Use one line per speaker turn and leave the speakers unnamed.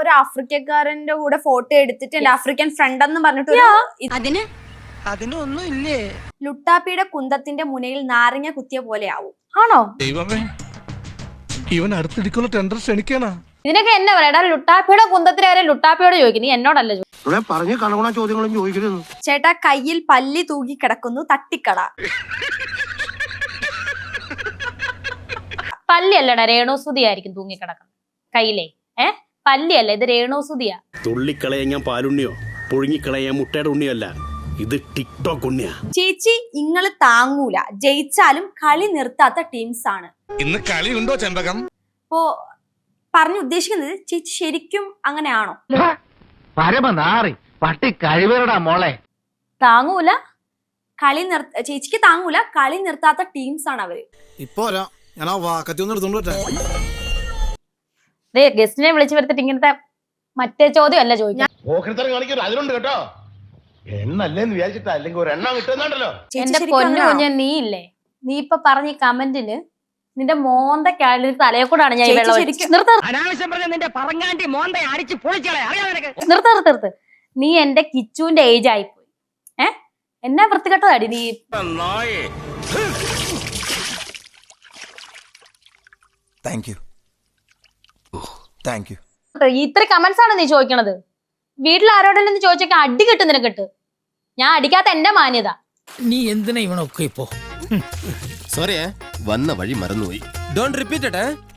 ഒരു ആഫ്രിക്കക്കാരന്റെ കൂടെ ഫോട്ടോ എടുത്തിട്ട് എന്റെ ആഫ്രിക്കൻ ഫ്രണ്ട് എന്ന് പറഞ്ഞിട്ട്
അതിനൊന്നും ഇല്ലേ?
ലുട്ടാപ്പിയുടെ കുന്തത്തിന്റെ മുനയിൽ നാരങ്ങ കുത്തിയ പോലെ ആവും. ആണോ?
ദൈവമേ, ഇവൻ അടുത്തിടിക്കുള്ള ടെൻഡർ ക്ഷണിക്കാനാ.
ഇതിനൊക്കെ എന്നാ പറയാ? ലുട്ടാപ്പിയുടെ കുന്തത്തിന് വരെ ലുട്ടാപ്പിയോട് ചോദിക്കും, നീ എന്നോടല്ല
പറഞ്ഞു കളവണ ചോദ്യങ്ങളും ചോദിക്കരുത്.
ചേട്ടാ, കയ്യിൽ പല്ലി തൂക്കി കിടക്കുന്നു, തട്ടിക്കട.
പല്ലിയല്ലടാ, രേണുസുതി ആയിരിക്കും തൂങ്ങിക്കിടക്കുന്നത് കയ്യിലേ. പല്ലിയല്ല, ഇത് രേണുസുതിയാ.
തുള്ളിക്കളയാൻ ഞാൻ പാലുണ്ണിയോ പുഴുങ്ങിക്കളയാൻ മുട്ടയുടെ ഉണ്ണിയല്ല, ഇത് ടിക്ടോക്ക് ഉണ്ണിയാ.
ചേച്ചി ഇങ്ങള് താങ്ങൂല, ജയിച്ചാലും കളി നിർത്താത്ത ടീംസ് ആണ്.
ഇന്ന് കളിയുണ്ടോ ചെമ്പകം?
അപ്പോ പറഞ്ഞു ഉദ്ദേശിക്കുന്നത് ചേച്ചി ശരിക്കും അങ്ങനെയാണോ?
പരമനാറി പട്ടി കഴിവരടാ മോളെ.
താങ്ങൂല,
ചേച്ചിക്ക് താങ്ങൂല, കളി നിർത്താത്ത ടീംസ് ആണ് അവര്.
ഇപ്പൊ ഞാൻ ആ വാക്കത്തി ഒന്ന് എടുത്തോണ്ട്
ഗസ്റ്റിനെ വിളിച്ചു വരുത്തിട്ട് ഇങ്ങനത്തെ മറ്റേ ചോദ്യം അല്ല ചോദിക്കാം.
അതിലുണ്ട് കേട്ടോ, എണ്ണല്ലേന്ന് വിചാരിച്ചിട്ടാ, അല്ലെങ്കിൽ ഒരു എണ്ണം കിട്ടുന്നുണ്ടല്ലോ.
എന്റെ പൊന്നു കുഞ്ഞ, നീ ഇല്ലേ, നീ ഇപ്പൊ പറഞ്ഞ ഈ കമന്റിന് നിന്റെ മോന്ത തലയെ കൂടാണ് ഞാൻ
അനാവശ്യം പറഞ്ഞ നിന്റെ പറങ്ങാണ്ടി മോന്ത അടിച്ച് പൊളിച്ചളെ.
നിർത്ത്. നീ എന്റെ കിച്ചുവിന്റെ ഏജ് ആയിപ്പോയി. എന്നാ വൃത്തികെട്ടതാടി നീ. ഇത്ര കമന്റ്സ് ആണ് നീ ചോദിക്കണത്. വീട്ടിൽ ആരോടെങ്കിലും ചോദിച്ചേക്കാൻ അടി കിട്ടും നിനക്കിട്ട്. ഞാൻ അടിക്കാത്ത എന്റെ മാന്യത.
നീ എന്തിനാ ഇവനൊക്കെ ഇപ്പോ?
സോറി, വന്ന വഴി മറന്നുപോയി. Don't repeat.